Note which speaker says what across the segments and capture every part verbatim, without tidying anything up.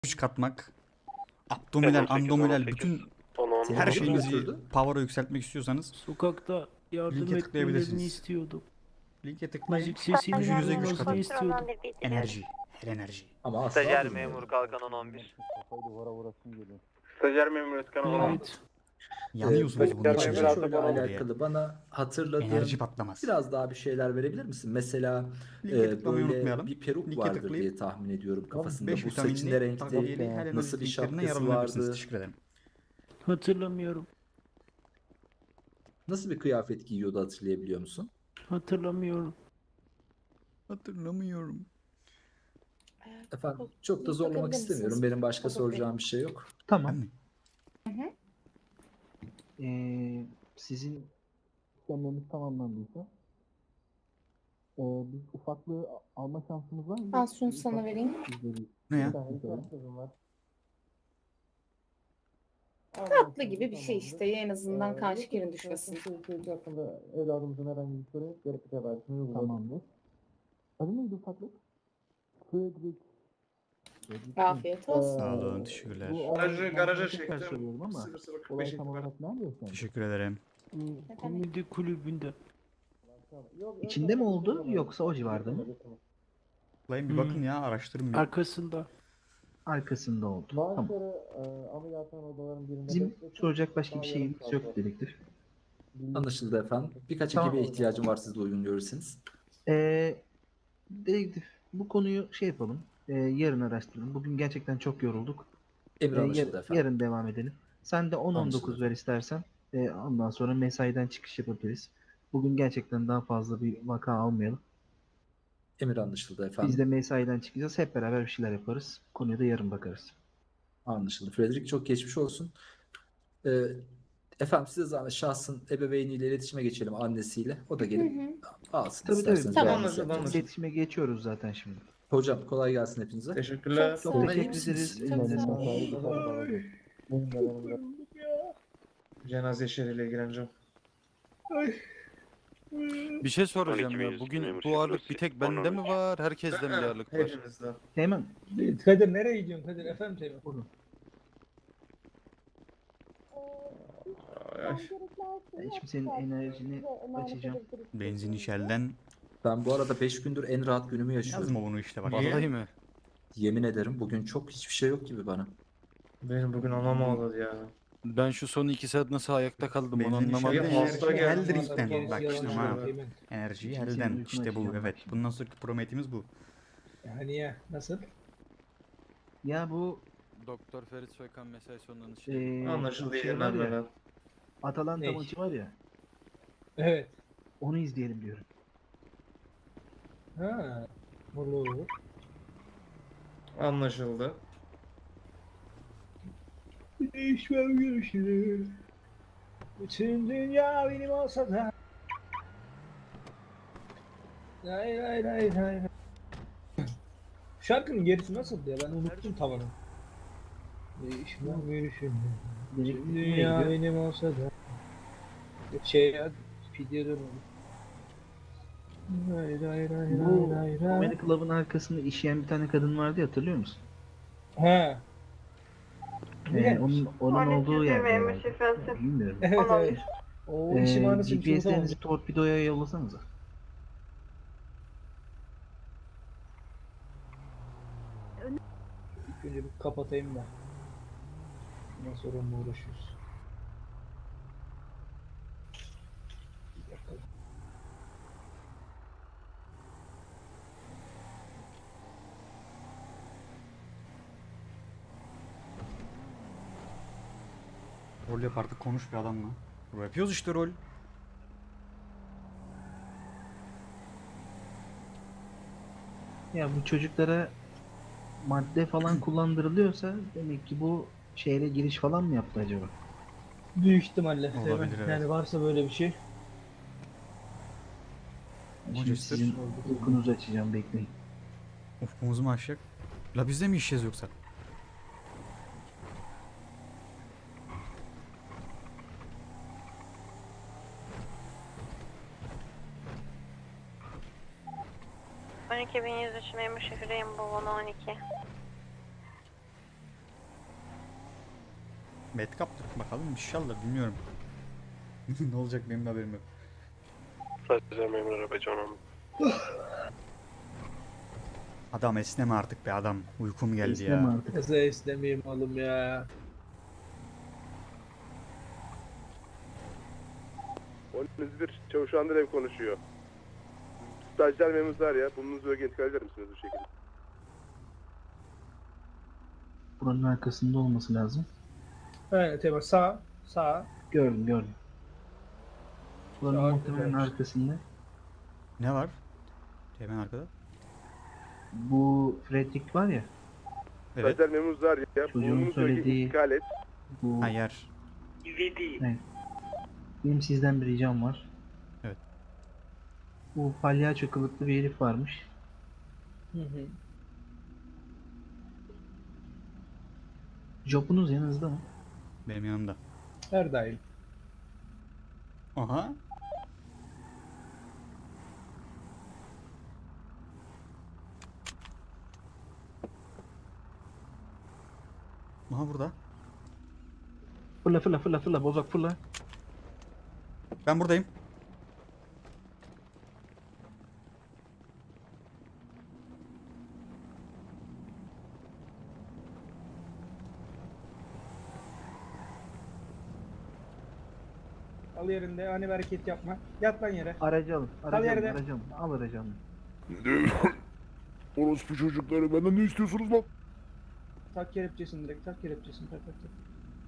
Speaker 1: güç katmak, abdominal, abdominal bütün her şeyinizi power'a yükseltmek istiyorsanız
Speaker 2: Sokakta yardım
Speaker 1: linke
Speaker 2: etmelerini
Speaker 1: tıklayabilirsiniz.
Speaker 2: istiyordum.
Speaker 1: Linke tıklayın.
Speaker 2: Müzik sesinin
Speaker 1: Gücünüze güç
Speaker 2: duyulmasını
Speaker 1: katın.
Speaker 2: istiyordum.
Speaker 1: Enerji, her enerji.
Speaker 3: Ama asla
Speaker 4: Stajyer
Speaker 3: durmuyor.
Speaker 4: memur Kalkan on on bir.
Speaker 5: Stajyer memur Özkan Oğlan.
Speaker 2: Evet.
Speaker 1: Yanıyorsunuz bunun
Speaker 5: Stajyer
Speaker 1: için.
Speaker 5: memur
Speaker 3: Şöyle
Speaker 5: Özkan Oğlan.
Speaker 3: alakalı bana hatırladığın
Speaker 1: Enerji patlaması.
Speaker 3: biraz daha bir şeyler verebilir misin? Mesela
Speaker 1: Linke
Speaker 3: e,
Speaker 1: tıklamayı
Speaker 3: böyle
Speaker 1: unutmayalım.
Speaker 3: bir peruk
Speaker 1: Linke
Speaker 3: vardır
Speaker 1: tıklayıp
Speaker 3: diye tahmin ediyorum kafasında.
Speaker 1: beş
Speaker 3: Bu saçı ne
Speaker 1: vitaminli
Speaker 3: renkti?
Speaker 1: takviyeli her enerji
Speaker 3: Nasıl bir
Speaker 1: linklerine
Speaker 3: şapkası
Speaker 1: yararlanabilirsiniz.
Speaker 3: vardı?
Speaker 1: Teşekkür ederim.
Speaker 2: Hatırlamıyorum.
Speaker 3: Nasıl bir kıyafet giyiyordu hatırlayabiliyor musun?
Speaker 2: Hatırlamıyorum.
Speaker 1: Hatırlamıyorum.
Speaker 3: Efendim çok da zorlamak
Speaker 6: Bakabilir
Speaker 3: istemiyorum.
Speaker 6: misiniz?
Speaker 3: Benim başka
Speaker 6: Bakabilir
Speaker 3: soracağım bir şey yok.
Speaker 1: Ben
Speaker 7: Tamam.
Speaker 1: mi?
Speaker 7: Ee, sizin işlemleriniz tamamlandıysa ee, biz ufaklığı a- alma şansımız var mı?
Speaker 6: Al şunu sana vereyim.
Speaker 1: Ne ya?
Speaker 6: Tatlı gibi bir şey işte. En azından kan şekerin düşmesin.
Speaker 7: Hakkında evladımızın herhangi bir soru gerekli tedavisini uyguladık. Tamamdır. Adı neydi ufaklık? Frederick.
Speaker 6: Afiyet olsun.
Speaker 1: Sağ olun, teşekkürler.
Speaker 5: Garajı, garaja çektim.
Speaker 7: Söylüyorum ama
Speaker 5: sıfır sıfır kırk
Speaker 7: olay
Speaker 5: beş
Speaker 7: tam olarak nerede yaşandı?
Speaker 1: Teşekkür ederim.
Speaker 2: Komedi kulübünde.
Speaker 7: İçinde mi oldu yoksa o civarda mı?
Speaker 1: Tıklayın bir
Speaker 2: Hmm.
Speaker 1: bakın ya, araştırın bir.
Speaker 2: Arkasında.
Speaker 7: Arkasında oldu. Tamam. Bizim soracak başka bir şeyimiz yok dedektif.
Speaker 3: Anlaşıldı efendim. Birkaç
Speaker 7: Tamam.
Speaker 3: ekibe ihtiyacım var siz de uygun görürseniz.
Speaker 7: Ee, dedektif bu konuyu şey yapalım. Ee, yarın araştıralım. Bugün gerçekten çok yorulduk.
Speaker 3: Emir
Speaker 7: Ee, yar-
Speaker 3: anlaşıldı efendim.
Speaker 7: yarın devam edelim. Sen de on on dokuz
Speaker 3: Anlaşıldı.
Speaker 7: ver istersen. Ee, ondan sonra mesaiden çıkış yapabiliriz. Bugün gerçekten daha fazla bir vaka almayalım.
Speaker 3: Emir anlaşıldı efendim.
Speaker 7: Biz de mesaiden çıkacağız. Hep beraber bir şeyler yaparız. Konuya da yarın bakarız.
Speaker 3: Anlaşıldı. Frederick çok geçmiş olsun. Ee, efendim size zahmet şahsın ebeveyniyle iletişime geçelim annesiyle. O da
Speaker 6: Hı
Speaker 3: gelip
Speaker 6: hı.
Speaker 3: alsın
Speaker 7: Tabii, tabii.
Speaker 3: isterseniz.
Speaker 6: Tamam.
Speaker 3: beğenmesi
Speaker 5: Anlaşıldı,
Speaker 3: yapacağız.
Speaker 5: anlaşıldı.
Speaker 7: İletişime geçiyoruz zaten şimdi.
Speaker 3: Hocam kolay gelsin hepinize.
Speaker 5: Teşekkürler.
Speaker 6: Çok
Speaker 7: Çok
Speaker 6: Sağ
Speaker 7: teşekkür
Speaker 6: olun.
Speaker 7: ederiz.
Speaker 6: Çok
Speaker 7: Elinize
Speaker 6: sağ
Speaker 7: sağlık.
Speaker 5: Cenaze işleriyle ilgileneceğim.
Speaker 8: Bir şey soracağım ya. Bugün bu ağırlık bir tek bende mi var? Herkeste mi bir ağırlık var?
Speaker 5: Hepinizde.
Speaker 7: Hemen.
Speaker 9: Kadir nereye gidiyorsun Kadir? Efendim Teğmen.
Speaker 7: Buyurun.
Speaker 5: Ay, ay.
Speaker 7: Ben şimdi senin enerjini açacağım.
Speaker 1: Benzin işelden
Speaker 3: Ben bu arada beş gündür en rahat günümü yaşıyorum.
Speaker 1: yazma bunu işte bak.
Speaker 5: Niye?
Speaker 8: Vallahi mi?
Speaker 3: Yemin ederim bugün çok hiçbir şey yok gibi bana.
Speaker 5: Benim bugün anam ağladı ya.
Speaker 8: Ben şu son iki saat nasıl ayakta kaldım onu
Speaker 1: Benzin
Speaker 8: anlamadım.
Speaker 1: işelden
Speaker 5: Ya, hasta
Speaker 1: enerjiyi
Speaker 5: geldi,
Speaker 1: el
Speaker 5: hasta
Speaker 1: drinkten.
Speaker 5: geldi,
Speaker 1: Bak işte
Speaker 5: yalan
Speaker 1: ha.
Speaker 5: söylüyor.
Speaker 9: Teğmen.
Speaker 1: Enerjiyi
Speaker 7: Şimdi senin
Speaker 1: elden.
Speaker 7: uykunu
Speaker 1: İşte bu
Speaker 7: açacağım
Speaker 1: evet.
Speaker 7: bak şimdi.
Speaker 1: Bundan sonraki prometimiz bu.
Speaker 9: Yani ya nasıl?
Speaker 7: Ya bu
Speaker 8: Doktor Ferit Soykan mesai sonundan şey.
Speaker 7: eee
Speaker 5: Anlaşıldı
Speaker 7: şey
Speaker 5: yeniden
Speaker 7: var ya,
Speaker 5: böyle.
Speaker 7: Atalanta
Speaker 9: Ne?
Speaker 7: maçı var ya.
Speaker 9: Evet.
Speaker 7: Onu izleyelim diyorum.
Speaker 9: Ha. Olur.
Speaker 5: Anlaşıldı.
Speaker 9: Değişmem görüşürüz. Bütün dünya benim olsa da. Lay lay lay lay. Şarkının gerisi nasıldı ya? Ben unuttum tavanı. Değişmem görüşürüz.
Speaker 7: Dedektif
Speaker 9: Bütün
Speaker 7: nereye
Speaker 9: dünya
Speaker 7: gidiyor?
Speaker 9: benim olsa da. Şey ya. Pidye dönüyor. Lay lay lay
Speaker 7: Bu
Speaker 9: lay lay
Speaker 7: Comedy
Speaker 9: lay.
Speaker 7: Club'ın arkasında işeyen bir tane kadın vardı ya, hatırlıyor musun?
Speaker 9: Ha.
Speaker 7: Ee,
Speaker 9: Ne?
Speaker 7: onun onun olduğu yer. Bilmiyorum.
Speaker 9: Evet evet. O
Speaker 7: Ee,
Speaker 9: işim anasını
Speaker 7: G P S'lerinizi torpidoya yollasanıza.
Speaker 9: İlk önce bir kapatayım da. Ondan sonra onunla uğraşıyoruz. Bir dakika.
Speaker 1: Rol yap artık, konuş bir adamla. Rol yapıyoruz işte, rol.
Speaker 7: Ya bu çocuklara madde falan kullandırılıyorsa demek ki bu şehre giriş falan mı yaptı acaba?
Speaker 9: Büyük ihtimalle.
Speaker 1: Olabilir,
Speaker 9: Teğmen.
Speaker 1: evet.
Speaker 9: Yani varsa böyle bir şey.
Speaker 7: Şimdi
Speaker 1: Manchester.
Speaker 7: sizin uykunuzu açacağım, bekleyin.
Speaker 1: Ufkumuzu mu aşacak? La biz de mi işeceğiz yoksa?
Speaker 10: on iki bin yüz üç memur şefireyim bu on iki.
Speaker 1: Bet kaptık bakalım inşallah bilmiyorum. Ne olacak benim de haberim yok. Adam esneme artık be adam. Uykum geldi
Speaker 7: İstemem
Speaker 1: ya.
Speaker 7: artık.
Speaker 9: Nasıl istemeyeyim oğlum ya.
Speaker 4: on bir Çavuş Andrev konuşuyor. Stajyer memuruz var ya. Bulunduğunuz bölgeye intikal eder misiniz bu şekilde?
Speaker 7: Buranın arkasında olması lazım.
Speaker 9: Evet Tema sağ. Sağ.
Speaker 7: Gördüm gördüm. Buranın
Speaker 9: Sağ
Speaker 7: muhtemelen
Speaker 9: güzelmiş.
Speaker 7: arkasında.
Speaker 1: Ne var? Hemen arkada.
Speaker 7: Bu Fredrik var ya.
Speaker 1: Evet.
Speaker 4: Stajyer memuruz var ya.
Speaker 7: Çocuğun
Speaker 4: Bulunduğunuz bölgeye
Speaker 7: söylediği-
Speaker 4: intikal et.
Speaker 7: Bu
Speaker 1: Ha yer.
Speaker 7: benim sizden bir ricam var.
Speaker 1: Evet.
Speaker 7: Bu palyaço kılıklı bir herif varmış.
Speaker 9: Hı hı.
Speaker 7: Jopunuz yanınızda mı?
Speaker 1: Benim yanımda.
Speaker 9: Her daim.
Speaker 1: Aha. Aha burada.
Speaker 7: Fırla fırla fırla fırla bozak fırla.
Speaker 1: Ben buradayım.
Speaker 9: Al yerinde ani bir hareket yapma. Yat lan yere.
Speaker 7: Aracı alın. Aracı alın.
Speaker 9: yerde.
Speaker 7: Aracı alın. Al aracı alın.
Speaker 4: Orospu çocukları benden ne istiyorsunuz lan?
Speaker 9: Tak kelepçesini direkt. Tak kelepçesini. Tak tak tak.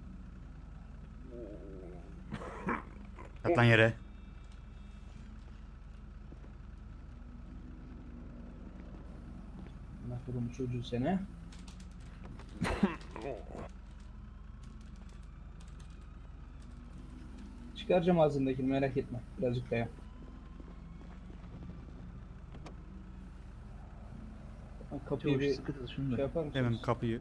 Speaker 1: Yat lan yere.
Speaker 9: Mahvolum çocuğu seni. Çıkaracağım ağzındakini merak etme. Birazcık dayan. Ha, Kapıyı
Speaker 7: Çavuş
Speaker 9: bir
Speaker 7: sıkı tut şunu
Speaker 9: şey
Speaker 7: da.
Speaker 9: yapar mısınız?
Speaker 1: Hemen kapıyı.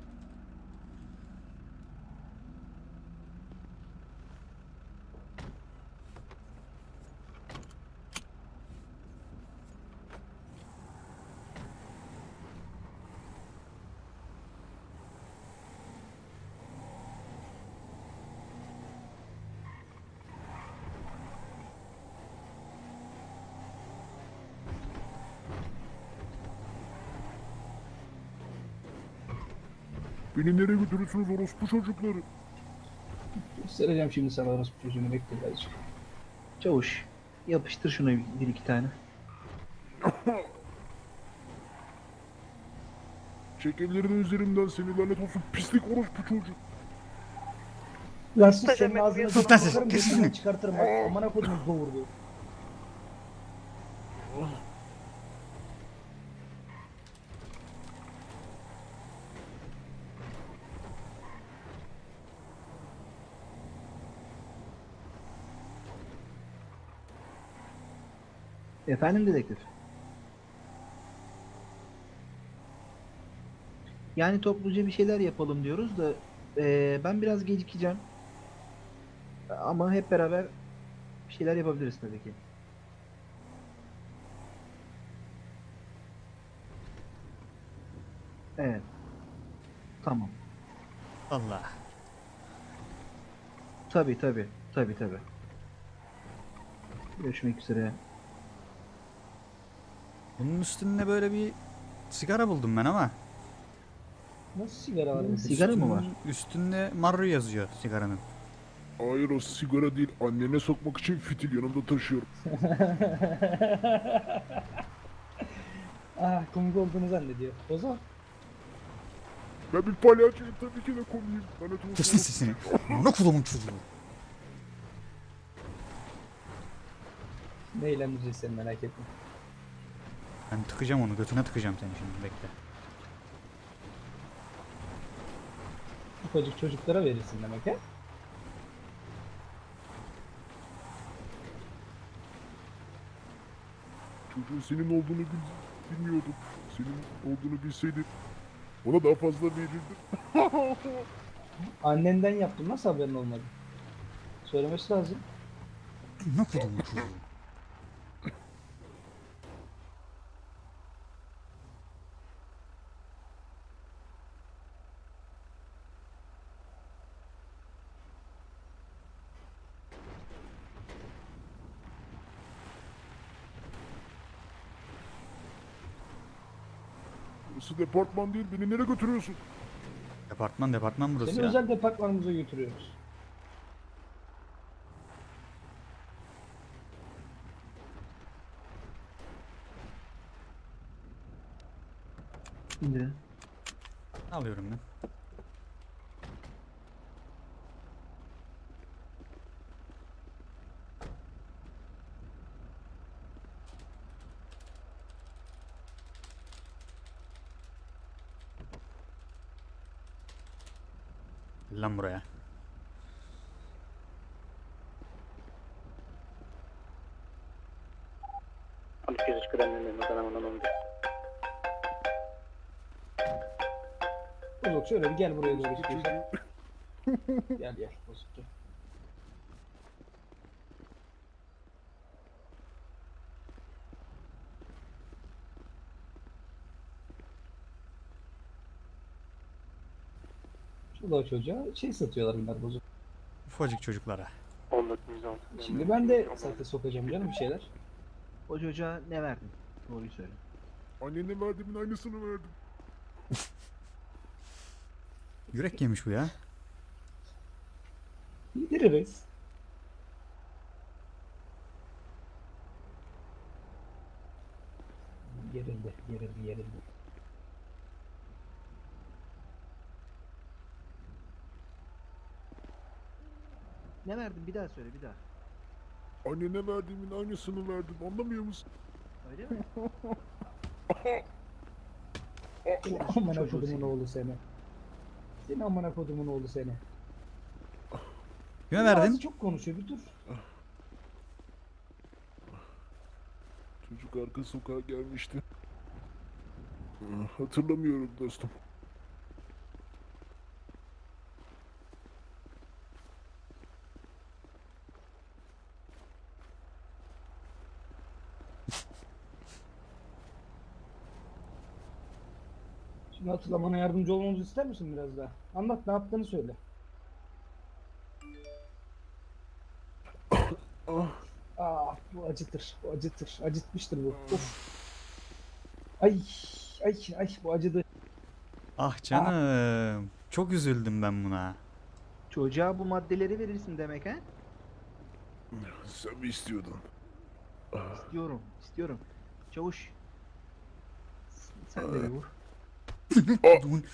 Speaker 4: Beni nereye götürüyorsunuz orospu çocukları?
Speaker 9: Göstereceğim şimdi sana orası çocuğunu, bekle birazcık.
Speaker 7: Çavuş yapıştır şuna bir, bir iki tane.
Speaker 4: Çek ellerini üzerimden, seni lanet olsun pislik orospu çocuk.
Speaker 9: Lan sus, senin ağzını
Speaker 1: Sus lan siz,
Speaker 9: sokarım,
Speaker 1: kes
Speaker 9: gözünden
Speaker 1: sesini.
Speaker 9: çıkartırım bak. Amına koydum doğurdu.
Speaker 7: Efendim dedektif. Yani topluca bir şeyler yapalım diyoruz da eee, ben biraz gecikeceğim. Ama hep beraber bir şeyler yapabiliriz tabii ki. Evet. Tamam.
Speaker 1: Allah.
Speaker 7: Tabii tabii. Tabii tabii. Görüşmek üzere.
Speaker 1: Bunun üstünde böyle bir sigara buldum ben ama.
Speaker 9: Nasıl sigara var?
Speaker 7: Sigara mı var?
Speaker 1: Üstünün- Üstünde Marru yazıyor sigaranın.
Speaker 4: Hayır o sigara değil, annene sokmak için fitil yanımda taşıyorum.
Speaker 9: Ah, komik olduğunu zannediyor. O zaman
Speaker 4: Ben bir palyaçoyum, tabii ki de komiyim. Lanet olsun.
Speaker 1: Kesin sesini. Ne kulumun çocuğu.
Speaker 9: ne eğlendireceğiz seni, merak etme.
Speaker 1: Ben tıkacağım onu, götüne tıkacağım seni şimdi, bekle.
Speaker 9: Ufacık çocuklara verirsin demek he?
Speaker 4: Çocuğun senin olduğunu bil bilmiyordum. Senin olduğunu bilseydim ona daha fazla verirdim.
Speaker 9: Annenden yaptım, nasıl haberin olmadı? Söylemesi lazım.
Speaker 1: Ne kulumun çocuğu.
Speaker 4: Burası departman değil. Beni nereye götürüyorsun?
Speaker 1: Departman departman burası
Speaker 9: Seni
Speaker 1: ya.
Speaker 9: özel departmanımıza götürüyoruz.
Speaker 7: Şimdi
Speaker 1: Alıyorum ben. Gel lan buraya.
Speaker 9: Bozuk şöyle bir gel buraya doğru istiyorsan. Gel gel Bozuk gel. Şurada o çocuğa şey satıyorlar bunlar Bozuk.
Speaker 1: Ufacık çocuklara.
Speaker 9: Şimdi ben de sate sokacağım canım bir şeyler.
Speaker 7: o çocuğa ne verdin? Doğruyu söyle.
Speaker 4: Annene verdiğimin aynısını verdim.
Speaker 1: Yürek yemiş bu ya.
Speaker 9: Yediririz. Gerildi, gerildi, gerildi.
Speaker 7: Ne verdin? Bir daha söyle bir daha.
Speaker 4: Annene verdiğimin aynısını verdim. Anlamıyor musun?
Speaker 7: Öyle mi?
Speaker 9: Amına
Speaker 7: Çocuğu
Speaker 9: kodumun
Speaker 7: seni.
Speaker 9: oğlu seni. Seni amına kodumun oğlu seni.
Speaker 1: Kime verdin?
Speaker 9: Ağzı çok konuşuyor bir dur.
Speaker 4: Çocuk arka sokağa gelmişti. Hatırlamıyorum dostum.
Speaker 9: Şimdi hatırlamana yardımcı olmamızı ister misin biraz daha? Anlat ne yaptığını söyle.
Speaker 4: Ah,
Speaker 9: Ah bu acıtır, bu acıtır, acıtmıştır bu. Of. Ay, ay, ay bu acıdı.
Speaker 1: Ah canım. Çok üzüldüm ben buna.
Speaker 7: Çocuğa bu maddeleri verirsin demek ha?
Speaker 4: sen mi istiyordun? Ah,
Speaker 7: İstiyorum, istiyorum. Çavuş. Sen de bir vur.
Speaker 1: Kodumun-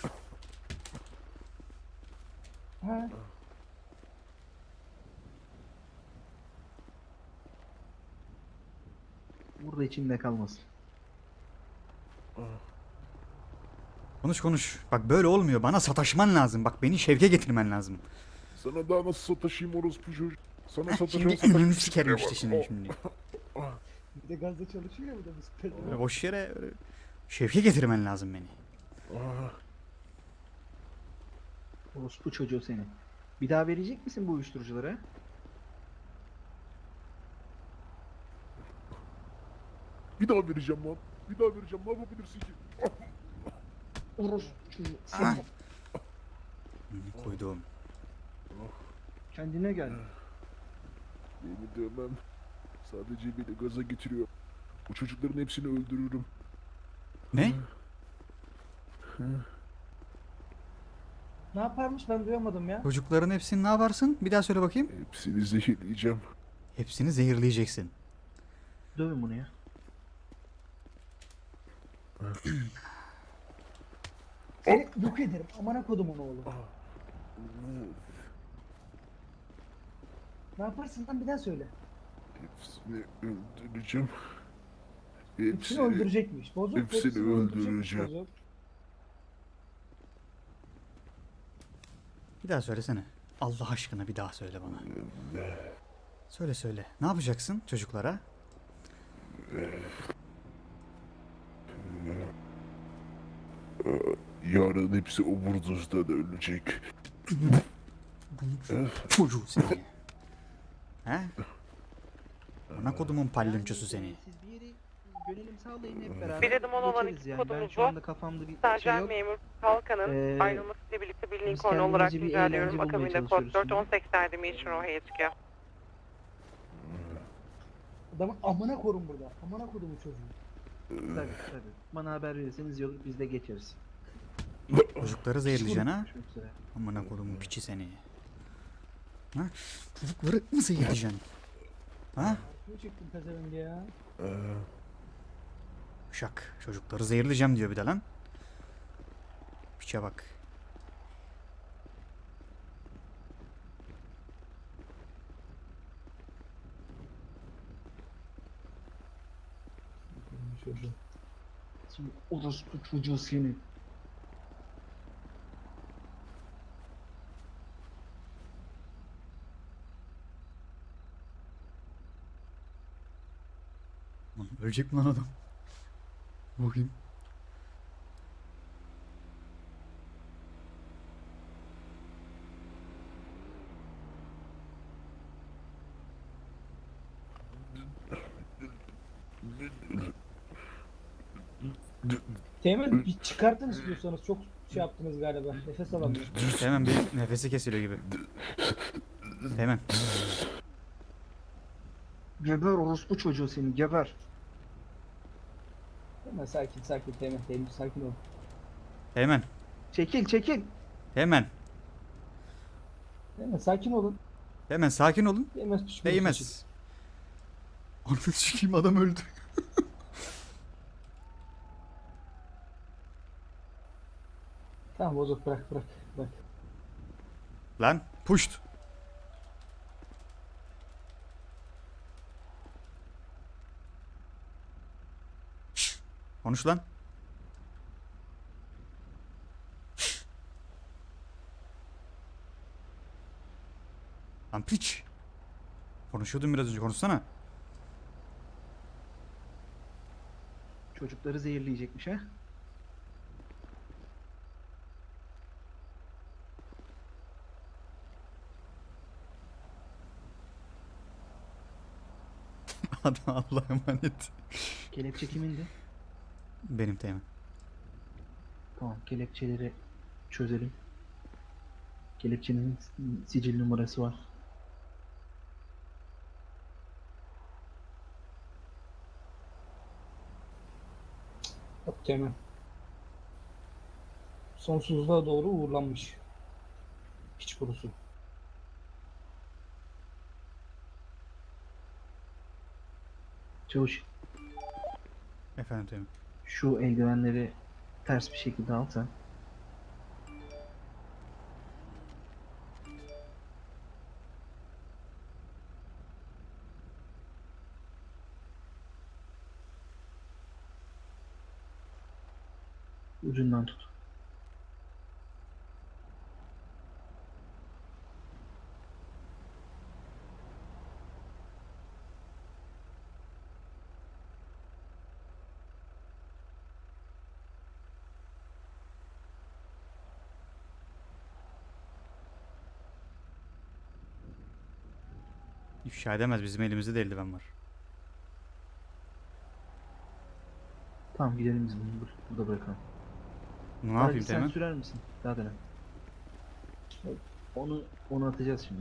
Speaker 9: Ha?
Speaker 7: Vur da içinde kalmasın.
Speaker 1: Konuş konuş. Bak böyle olmuyor. Bana sataşman lazım. Bak beni şevke getirmen lazım.
Speaker 4: sana daha nasıl sataşayım orospu çocuk? Sana
Speaker 1: Heh,
Speaker 4: sataşan
Speaker 1: şimdi önünü
Speaker 4: sataşmış
Speaker 1: sikerim
Speaker 4: tipine
Speaker 1: işte
Speaker 4: bak.
Speaker 1: şimdi
Speaker 4: Oh,
Speaker 1: şimdi.
Speaker 9: Bir de gazda çalışıyor ya bu da biz.
Speaker 1: Öyle boş yere öyle şevke getirmen lazım beni.
Speaker 4: ah.
Speaker 7: Orospu çocuğu seni. Bir daha verecek misin bu uyuşturucuları?
Speaker 4: Bir daha vereceğim lan. Bir daha vereceğim. Ne yapabilirsin ki?
Speaker 9: Orospu çocuğu.
Speaker 1: Ah. Hı, Koyduğum.
Speaker 7: Kendine gel.
Speaker 4: Beni dövmem. Sadece beni gaza getiriyor. Bu çocukların hepsini öldürürüm.
Speaker 1: Ne?
Speaker 9: Ne yaparmış ben duyamadım ya.
Speaker 1: Çocukların hepsini ne yaparsın? Bir daha söyle bakayım.
Speaker 4: Hepsini zehirleyeceğim.
Speaker 1: Hepsini zehirleyeceksin.
Speaker 7: Dövün bunu ya.
Speaker 9: Seni yok ederim. Amına kodumun oğlu. Ne yaparsın lan bir daha söyle.
Speaker 4: Hepsini öldüreceğim.
Speaker 9: Hepsini
Speaker 4: Hepsini
Speaker 9: öldürecekmiş. Bozuk.
Speaker 4: hepsini
Speaker 9: öldürecekmiş,
Speaker 4: öldüreceğim.
Speaker 9: Bozuk.
Speaker 1: Bir daha söylesene. Allah aşkına bir daha söyle bana. Söyle söyle. Ne yapacaksın çocuklara?
Speaker 4: Yarın hepsi overdozdan ölecek.
Speaker 1: Çocuğu seni. He? Ana kodumun palyonçosu seni.
Speaker 7: Siz bir yere yönelim sağlayın hep beraber.
Speaker 10: Bir adım olan
Speaker 7: geçeriz
Speaker 10: iki
Speaker 7: yani. Ben
Speaker 10: kodumuz
Speaker 7: şu
Speaker 10: bu. anda
Speaker 7: kafamda bir şey
Speaker 10: Sercan
Speaker 7: yok.
Speaker 10: memur Kalkan'ın
Speaker 7: Ee,
Speaker 10: ayrılmasıyla birlikte bir
Speaker 7: biz
Speaker 10: Lincoln olarak
Speaker 7: kendimize bir
Speaker 10: rica ediyorum.
Speaker 7: eğlence bulmaya
Speaker 10: Akabinde kod
Speaker 7: çalışıyoruz
Speaker 10: dört
Speaker 7: şimdi.
Speaker 10: on seksen Dimension O'ya çıkıyor.
Speaker 9: Adamı amına korun burada. Amına kodumun çocuğu.
Speaker 7: Tabii tabii. Bana haber verirseniz yolu biz de geçeriz.
Speaker 1: Çocukları zehirleyeceksin ha?
Speaker 7: Görüşmek üzere.
Speaker 1: Amına kodumun piçi seni. Ha? Çocukları mı zehirleyeceksin? Ha?
Speaker 9: Ne çıktın pezevenk ya?
Speaker 1: Şak. Çocukları zehirleyeceğim diyor bir de lan. Piçe bak.
Speaker 9: Çocuğum.
Speaker 7: Şimdi orospu çocuğu seni.
Speaker 1: Lan ölecek mi lan adam? Bakayım.
Speaker 9: Teğmen bir çıkartın istiyorsanız, çok şey yaptınız galiba. Nefes alamıyorum.
Speaker 1: Hemen bir nefesi kesiliyor gibi. Hemen.
Speaker 7: Geber orospu çocuğu seni geber.
Speaker 9: Hemen sakin sakin Teğmen, Teğmen sakin ol.
Speaker 1: Hemen.
Speaker 7: Çekil çekil.
Speaker 1: Hemen.
Speaker 9: Teğmen sakin olun.
Speaker 1: Hemen sakin olun.
Speaker 9: Değmez pişman.
Speaker 1: Değmez. Ananı sikeyim adam öldü.
Speaker 9: Tamam bozuk, bırak bırak bırak.
Speaker 1: Lan puşt. Şşş, konuş lan. Şşş. Lan piç. Konuşuyordun biraz önce, konuşsana.
Speaker 7: Çocukları zehirleyecekmiş ha.
Speaker 1: Hadi Allah'a emanet.
Speaker 7: Kelepçe kimindi?
Speaker 1: Benim Teğmen.
Speaker 7: Tamam, kelepçeleri çözelim. Kelepçenin sicil numarası var.
Speaker 9: Yok Teğmen. Sonsuzluğa doğru uğurlanmış. Hiç kurusu.
Speaker 7: Çavuş,
Speaker 1: Efendim Teğmen.
Speaker 7: şu eldivenleri ters bir şekilde al sen. Ucundan tut.
Speaker 1: İfşa edemez, bizim elimizde de eldiven var.
Speaker 7: Tamam, gidelim biz bunu bur- burada bırakalım.
Speaker 1: Ne
Speaker 7: Aracı
Speaker 1: yapayım
Speaker 7: sen
Speaker 1: Teğmen?
Speaker 7: sürer misin? Daha dönem. Onu onu atacağız şimdi.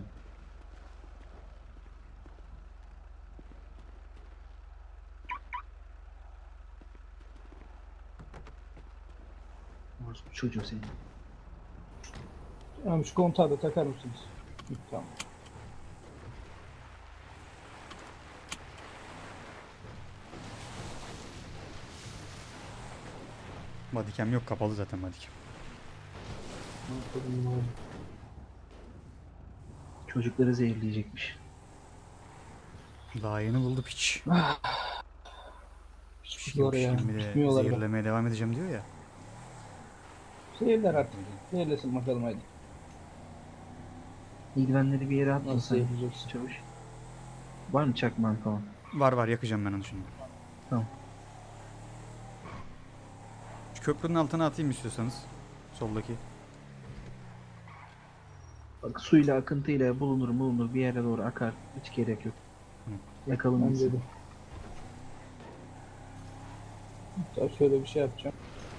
Speaker 7: Orospu çocuğu senin.
Speaker 9: Tamam, şu kontağı da takar mısınız? Hı, tamam.
Speaker 1: Bodycam yok, kapalı zaten bodycam.
Speaker 7: Çocukları zehirleyecekmiş.
Speaker 1: Daha yeni buldu piç.
Speaker 9: Hiç
Speaker 1: Yok,
Speaker 9: kuruyorlar ya.
Speaker 1: şimdi de
Speaker 9: Bitmiyorlar da.
Speaker 1: zehirlemeye devam edeceğim diyor ya.
Speaker 9: Zehirler artık. Zehirlesin bakalım hadi.
Speaker 7: İldivenleri bir yere atma
Speaker 9: Nasıl
Speaker 7: sen.
Speaker 9: zehirleyeceksin?
Speaker 7: Çavuş. Var mı çakman falan?
Speaker 1: Var var, yakacağım ben onu şimdi.
Speaker 7: Tamam.
Speaker 1: Şu köprünün altına atayım istiyorsanız. Soldaki.
Speaker 7: Bak, suyla akıntıyla bulunur bulunur bir yere doğru akar. Hiç gerek yok. Yakalım
Speaker 9: Ben
Speaker 7: gitsin.
Speaker 9: dedim. Hatta şöyle bir şey yapacağım.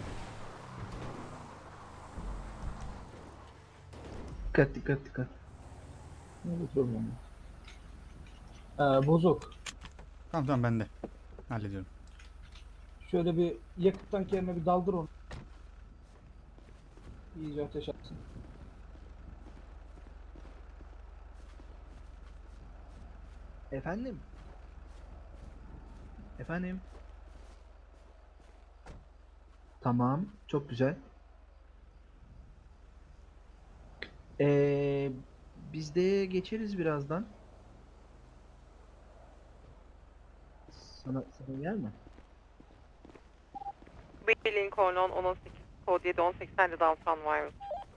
Speaker 7: Dikkat dikkat dikkat.
Speaker 9: Ne bir problem yok. Ee, bozuk.
Speaker 1: Tamam tamam, ben de. Hallediyorum.
Speaker 9: Şöyle bir yakıt tankerine bir daldır onu. İyice ateş atsın.
Speaker 7: Efendim? Efendim? Tamam, çok güzel. Ee, biz de geçeriz birazdan. Sana, sana yer mi?
Speaker 10: Bir Lincoln on on sekiz, kod yedi on seksen downtown virus.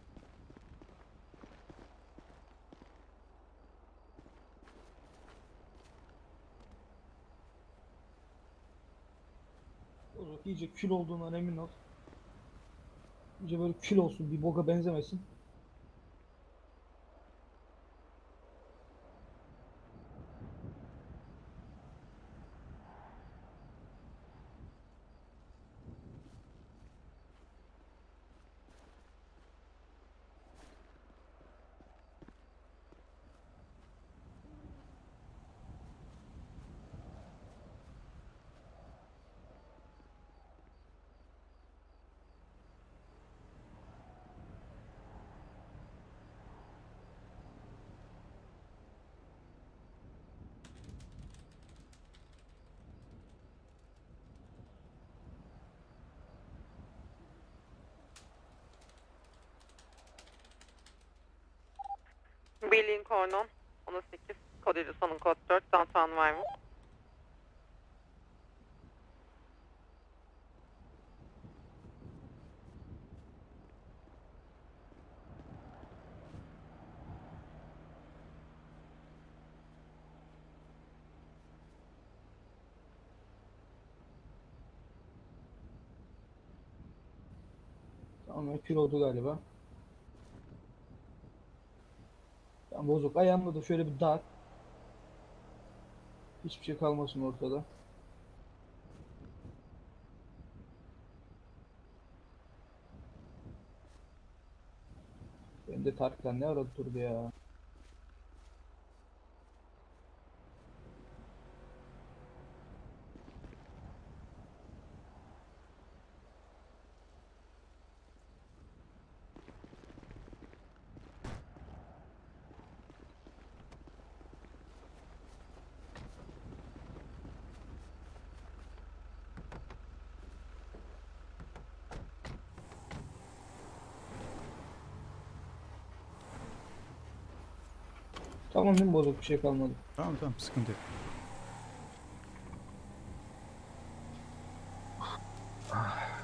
Speaker 9: Bozok iyice kül olduğundan emin ol. İyice böyle kül olsun, bir boka benzemesin.
Speaker 10: Bir Lincoln on on sekiz, kod yedi sonun kod dört downtown virus.
Speaker 9: Tamam, kül oldu galiba. Tamam Bozok, ayağımda da şöyle bir dağıt. Hiçbir şey kalmasın ortada. Benim de Tarkan ne arada durdu ya. Tamam değil mi Bozok? Bir şey kalmadı.
Speaker 1: Tamam tamam sıkıntı yok.